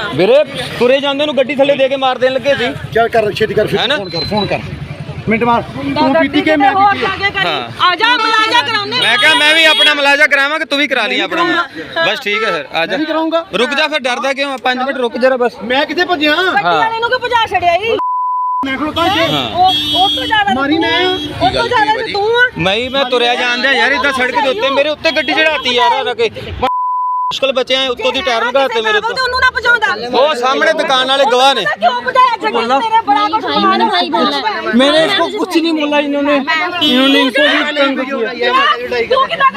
ਵੀਰੇ ਤੁਰੇ ਜਾਂਦੇ ਨੂੰ ਗੱਡੀ ਥੱਲੇ ਦੇ ਕੇ ਮਾਰ ਦੇਣ ਲੱਗੇ ਸੀ। ਚੱਲ ਕਰ ਛੇਤੀ ਕਰ, ਫੋਨ ਕਰ ਮਿੰਟ ਮਾਰ। ਤੂੰ ਪੀਤੀ ਕੇ ਮੈਂ ਪੀਤੀ ਹਾਂ ਆ ਜਾ ਮਲਾਜਾ ਕਰਾਉਂਦੇ। ਮੈਂ ਕਿਹਾ ਮੈਂ ਵੀ ਆਪਣਾ ਮਲਾਜਾ ਕਰਾਵਾਂ ਕਿ ਤੂੰ ਵੀ ਕਰਾ ਲਈ ਆਪਣਾ। ਬਸ ਠੀਕ ਹੈ ਫਿਰ ਆ ਜਾ। ਕਰਾਉਂਗਾ। ਰੁਕ ਜਾ ਫਿਰ, ਡਰਦਾ ਕਿਉਂ? 5 ਮਿੰਟ ਰੁਕ ਜਰਾ ਬਸ। ਮੈਂ ਕਿੱਥੇ ਭੱਜਿਆ? ਗੱਡੀ ਵਾਲੇ ਨੂੰ ਕਿ ਭਜਾ ਛੜਿਆ ਈ। ਮੈਂ ਖਲੋਤਾ ਇੱਥੇ। ਉਹ ਤੋਂ ਜ਼ਿਆਦਾ ਮਾਰੀ ਮੈਂ। ਉਹ ਤੋਂ ਜ਼ਿਆਦਾ ਤੂੰ ਆ। ਮੈਂ ਤੁਰਿਆ ਜਾਂਦਾ ਯਾਰ, ਇਦਾਂ ਸੜਕ ਦੇ ਉੱਤੇ ਮੇਰੇ ਉੱਤੇ ਗੱਡੀ ਚੜਾਤੀ ਯਾਰ ਆ ਕੇ। ਮੁਸ਼ਕਲ ਬਚਿਆ ਉੱਤੋਂ ਦੀ ਟਾਇਰ ਲਗਾਤੇ ਮੇਰੇ ਉੱਤੇ। ਉਹਨੂੰ ਨਾ ਭਜਾਉਂਦਾ। ਉਹ ਸਾਹਮਣੇ ਦੁਕਾਨ ਵਾਲੇ ਗਵਾਹ ਨੇ। क्यों बुझाया जगह मेरे बड़ा कुछ मैंने इसको कुछ नहीं बोला, इन्होंने इनको भी तंग किया।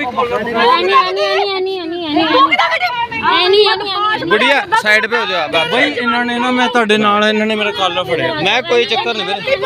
गुड़िया साइड पे हो जाओ बाबा। इन्होंने ना मैं ਤੁਹਾਡੇ ਨਾਲ ਇਹਨਾਂ ਨੇ ਮੇਰਾ ਕਾਲਰ ਫੜਿਆ। ਮੈਂ ਕੋਈ ਚੱਕਰ ਨਹੀਂ ਵੀਰੇ।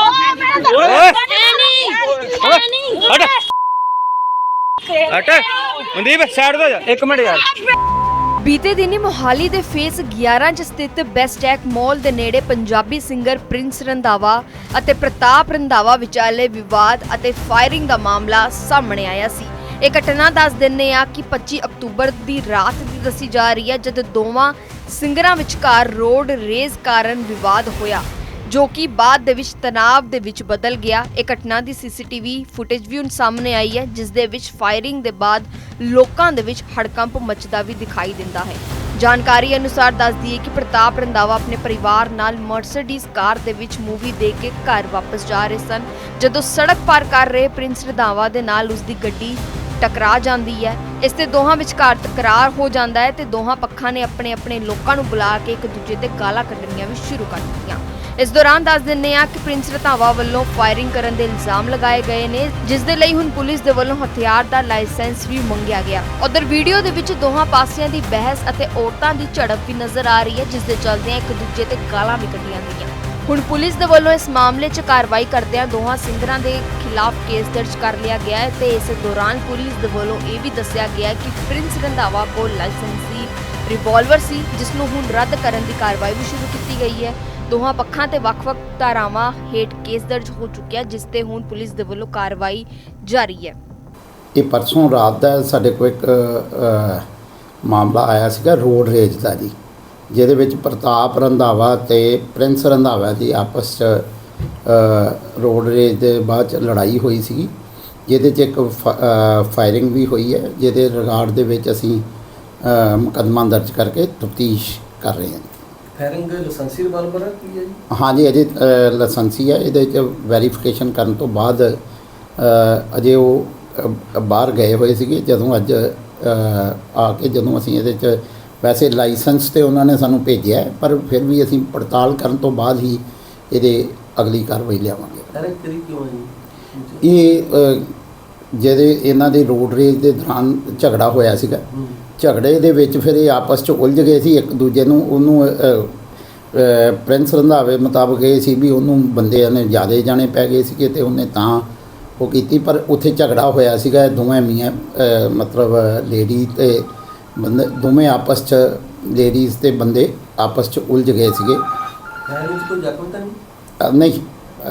ਹਟ ਮਨਦੀਪ ਸਾਈਡ ਤੇ ਜਾ 1 ਮਿੰਟ ਯਾਰ। ਬੀਤੇ ਦਿਨੀ ਮੋਹਾਲੀ ਦੇ ਫੇਸ 11 ਚ ਸਥਿਤ ਬੈਸਟੈਕ ਮਾਲ ਦੇ ਨੇੜੇ ਪੰਜਾਬੀ ਸਿੰਗਰ ਪ੍ਰਿੰਸ ਰੰਧਾਵਾ ਅਤੇ ਪ੍ਰਤਾਪ ਰੰਧਾਵਾ ਵਿਚਾਲੇ ਵਿਵਾਦ ਅਤੇ ਫਾਇਰਿੰਗ ਦਾ ਮਾਮਲਾ ਸਾਹਮਣੇ ਆਇਆ ਸੀ। ਇਹ ਘਟਨਾ ਦੱਸ ਦਿੰਦੇ ਆ ਕਿ 25 ਅਕਤੂਬਰ ਦੀ ਰਾਤ ਦੀ ਦੱਸੀ ਜਾ ਰਹੀ ਹੈ, ਜਦ ਦੋਵਾਂ ਸਿੰਗਰਾਂ ਵਿਚਕਾਰ ਰੋਡ ਰੇਜ਼ ਕਾਰਨ ਵਿਵਾਦ ਹੋਇਆ, ਜੋ ਕਿ ਬਾਅਦ ਦੇ ਵਿੱਚ ਤਣਾਅ ਦੇ ਵਿੱਚ ਬਦਲ ਗਿਆ। ਇਹ ਘਟਨਾ ਦੀ ਸੀਸੀਟੀਵੀ ਫੁਟੇਜ ਵੀ ਹੁਣ ਸਾਹਮਣੇ ਆਈ ਹੈ, ਜਿਸ ਦੇ ਵਿੱਚ ਫਾਇਰਿੰਗ ਦੇ ਬਾਅਦ ਲੋਕਾਂ ਦੇ ਵਿੱਚ ਹੜਕੰਪ ਮਚਦਾ ਵੀ ਦਿਖਾਈ ਦਿੰਦਾ ਹੈ। ਜਾਣਕਾਰੀ ਅਨੁਸਾਰ ਦੱਸਦੀ ਹੈ ਕਿ ਪ੍ਰਤਾਪ ਰੰਧਾਵਾ ਆਪਣੇ ਪਰਿਵਾਰ ਨਾਲ ਮਰਸੀਡੀਜ਼ ਕਾਰ ਦੇ ਵਿੱਚ ਮੂਵੀ ਦੇਖ ਕੇ ਘਰ ਵਾਪਸ ਜਾ ਰਹੇ ਸਨ, ਜਦੋਂ ਸੜਕ ਪਾਰ ਕਰ ਰਹੇ ਪ੍ਰਿੰਸ ਰੰਧਾਵਾ ਦੇ ਨਾਲ ਉਸ ਦੀ ਗੱਡੀ ਟਕਰਾ ਜਾਂਦੀ ਹੈ। ਇਸ ਤੇ ਦੋਹਾਂ ਵਿਚਕਾਰ ਤਕਰਾਰ ਹੋ ਜਾਂਦਾ ਹੈ ਤੇ ਦੋਹਾਂ ਪੱਖਾਂ ਨੇ ਆਪਣੇ ਲੋਕਾਂ ਨੂੰ ਬੁਲਾ ਕੇ ਇੱਕ ਦੂਜੇ ਤੇ ਗਾਲਾਂ ਕੱਢਣੀਆਂ ਵੀ ਸ਼ੁਰੂ ਕਰ ਦਿੱਤੀਆਂ। ਇਸ ਦੌਰਾਨ ਦੱਸ ਦਿੰਦੇ ਆ ਕਿ ਪ੍ਰਿੰਸ ਰੰਧਾਵਾ ਵੱਲੋਂ ਫਾਇਰਿੰਗ ਕਰਨ ਦੇ ਇਲਜ਼ਾਮ ਲਗਾਏ ਗਏ ਨੇ, ਜਿਸ ਦੇ ਲਈ ਹੁਣ ਪੁਲਿਸ ਦੇ ਵੱਲੋਂ ਹਥਿਆਰ ਦਾ ਲਾਇਸੈਂਸ ਵੀ ਮੰਗਿਆ ਗਿਆ। ਉਧਰ ਵੀਡੀਓ ਦੇ ਵਿੱਚ ਦੋਹਾਂ ਪਾਸਿਆਂ ਦੀ ਬਹਿਸ ਅਤੇ ਔਰਤਾਂ ਦੀ ਝੜਪ ਵੀ ਨਜ਼ਰ ਆ ਰਹੀ ਹੈ, ਜਿਸ ਦੇ ਚੱਲਦਿਆਂ ਇੱਕ ਦੂਜੇ ਤੇ ਗਾਲਾਂ ਵੀ ਕੱਢੀਆਂ ਗਈਆਂ। ਹੁਣ ਪੁਲਿਸ ਦੇ ਵੱਲੋਂ ਇਸ ਮਾਮਲੇ 'ਚ ਕਾਰਵਾਈ ਕਰਦਿਆਂ ਦੋਹਾਂ ਸਿੰਗਰਾਂ ਦੇ ਖਿਲਾਫ ਕੇਸ ਦਰਜ ਕਰ ਲਿਆ ਗਿਆ ਹੈ ਤੇ ਇਸ ਦੌਰਾਨ ਪੁਲਿਸ ਦੇ ਵੱਲੋਂ ਇਹ ਵੀ ਦੱਸਿਆ ਗਿਆ ਕਿ ਪ੍ਰਿੰਸ ਰੰਧਾਵਾ ਕੋਲ ਲਾਇਸੈਂਸੀ ਰਿਵਾਲਵਰ ਸੀ, ਜਿਸ ਨੂੰ ਹੁਣ ਰੱਦ ਕਰਨ ਦੀ ਕਾਰਵਾਈ ਵੀ ਸ਼ੁਰੂ ਕੀਤੀ ਗਈ ਹੈ। ਦੋਹਾਂ ਪੱਖਾਂ ਤੇ ਵੱਖ-ਵੱਖ ਧਾਰਾਵਾਂ ਹੇਠ ਕੇਸ ਦਰਜ ਹੋ ਚੁੱਕਿਆ, ਜਿਸ ਤੇ ਹੁਣ ਪੁਲਿਸ ਦੇ ਵੱਲੋਂ ਕਾਰਵਾਈ ਜਾਰੀ ਹੈ। ਇਹ ਪਰਸੋਂ ਰਾਤ ਦਾ ਸਾਡੇ ਕੋਲ ਇੱਕ ਮਾਮਲਾ ਆਇਆ ਸੀਗਾ ਰੋਡ ਰੇਜ ਦਾ ਜੀ, ਜਿਹਦੇ ਵਿੱਚ ਪ੍ਰਤਾਪ ਰੰਧਾਵਾ ਤੇ ਪ੍ਰਿੰਸ ਰੰਧਾਵਾ ਦੀ ਆਪਸ 'ਚ ਰੋਡ ਰੇਜ ਦੇ ਬਾਅਦ 'ਚ ਲੜਾਈ ਹੋਈ ਸੀਗੀ, ਜਿਹਦੇ 'ਚ ਇੱਕ ਫਾਇਰਿੰਗ ਵੀ ਹੋਈ ਹੈ, ਜਿਹਦੇ ਰਿਗਾਰਡ ਦੇ ਵਿੱਚ ਅਸੀਂ ਮੁਕੱਦਮਾ ਦਰਜ ਕਰਕੇ ਤਫਤੀਸ਼ ਕਰ ਰਹੇ ਹਾਂ। ਫਾਇਰਿੰਗ ਲਾਇਸੈਂਸੀ ਰਿਵਾਲਵਰ ਹੈ ਕੀ ਹੈ ਜੀ? ਹਾਂਜੀ ਅਜੇ ਲਾਇਸੈਂਸੀ ਹੈ। ਇਹਦੇ 'ਚ ਵੈਰੀਫਿਕੇਸ਼ਨ ਕਰਨ ਤੋਂ ਬਾਅਦ ਅਜੇ ਉਹ ਬਾਹਰ ਗਏ ਹੋਏ ਸੀਗੇ। ਜਦੋਂ ਅੱਜ ਆ ਕੇ ਜਦੋਂ ਅਸੀਂ ਇਹਦੇ 'ਚ ਵੈਸੇ ਲਾਇਸੈਂਸ ਤੇ ਉਹਨਾਂ ਨੇ ਸਾਨੂੰ ਭੇਜਿਆ, ਪਰ ਫਿਰ ਵੀ ਅਸੀਂ ਪੜਤਾਲ ਕਰਨ ਤੋਂ ਬਾਅਦ ਹੀ ਇਹਦੇ ਅਗਲੀ ਕਾਰਵਾਈ ਲਿਆਵਾਂਗੇ। ਫਾਇਰਿੰਗ ਕਰੀ ਕਿਉਂ ਹੈ ਜੀ? ਇਹ ਜਿਹਦੇ ਇਹਨਾਂ ਦੇ ਰੋਡ ਰੇਜ ਦੇ ਦੌਰਾਨ ਝਗੜਾ ਹੋਇਆ ਸੀਗਾ, ਝਗੜੇ ਦੇ ਵਿੱਚ ਫਿਰ ਇਹ ਆਪਸ 'ਚ ਉਲਝ ਗਏ ਸੀ ਇੱਕ ਦੂਜੇ ਨੂੰ। ਉਹਨੂੰ ਪ੍ਰਿੰਸ ਰੰਧਾਵੇ ਮੁਤਾਬਕ ਇਹ ਸੀ ਵੀ ਉਹਨੂੰ ਬੰਦਿਆਂ ਨੇ ਜ਼ਿਆਦਾ ਜਾਣੇ ਪੈ ਗਏ ਸੀਗੇ ਤੇ ਉਹਨੇ ਤਾਂ ਉਹ ਕੀਤੀ, ਪਰ ਉੱਥੇ ਝਗੜਾ ਹੋਇਆ ਸੀਗਾ। ਦੋਵੇਂ ਮੀਆਂ ਮਤਲਬ ਲੇਡੀ ਤੇ ਬੰਦੇ ਦੋਵੇਂ ਆਪਸ 'ਚ ਲੇਡੀਜ਼ ਤੇ ਬੰਦੇ ਆਪਸ 'ਚ ਉਲਝ ਗਏ ਸੀਗੇ। ਫਾਇਰਿੰਗ ਵਿੱਚ ਕੋਈ ਜ਼ਖਮ ਤਾਂ ਨਹੀਂ?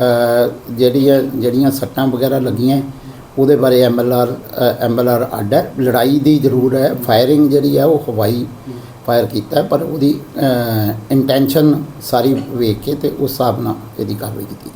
ਨਹੀਂ, ਜਿਹੜੀਆਂ ਸੱਟਾਂ ਵਗੈਰਾ ਲੱਗੀਆਂ ਉਹਦੇ ਬਾਰੇ ਐਮਐਲਆਰ ਅੱਡ ਹੈ। ਲੜਾਈ ਦੀ ਜ਼ਰੂਰ ਹੈ, ਫਾਇਰਿੰਗ ਜਿਹੜੀ ਹੈ ਉਹ ਹਵਾਈ ਫਾਇਰ ਕੀਤਾ, ਪਰ ਉਹਦੀ ਇੰਟੈਂਸ਼ਨ ਸਾਰੀ ਵੇਖ ਕੇ ਤੇ ਉਸ ਹਿਸਾਬ ਨਾਲ ਇਹਦੀ ਕਾਰਵਾਈ ਕੀਤੀ।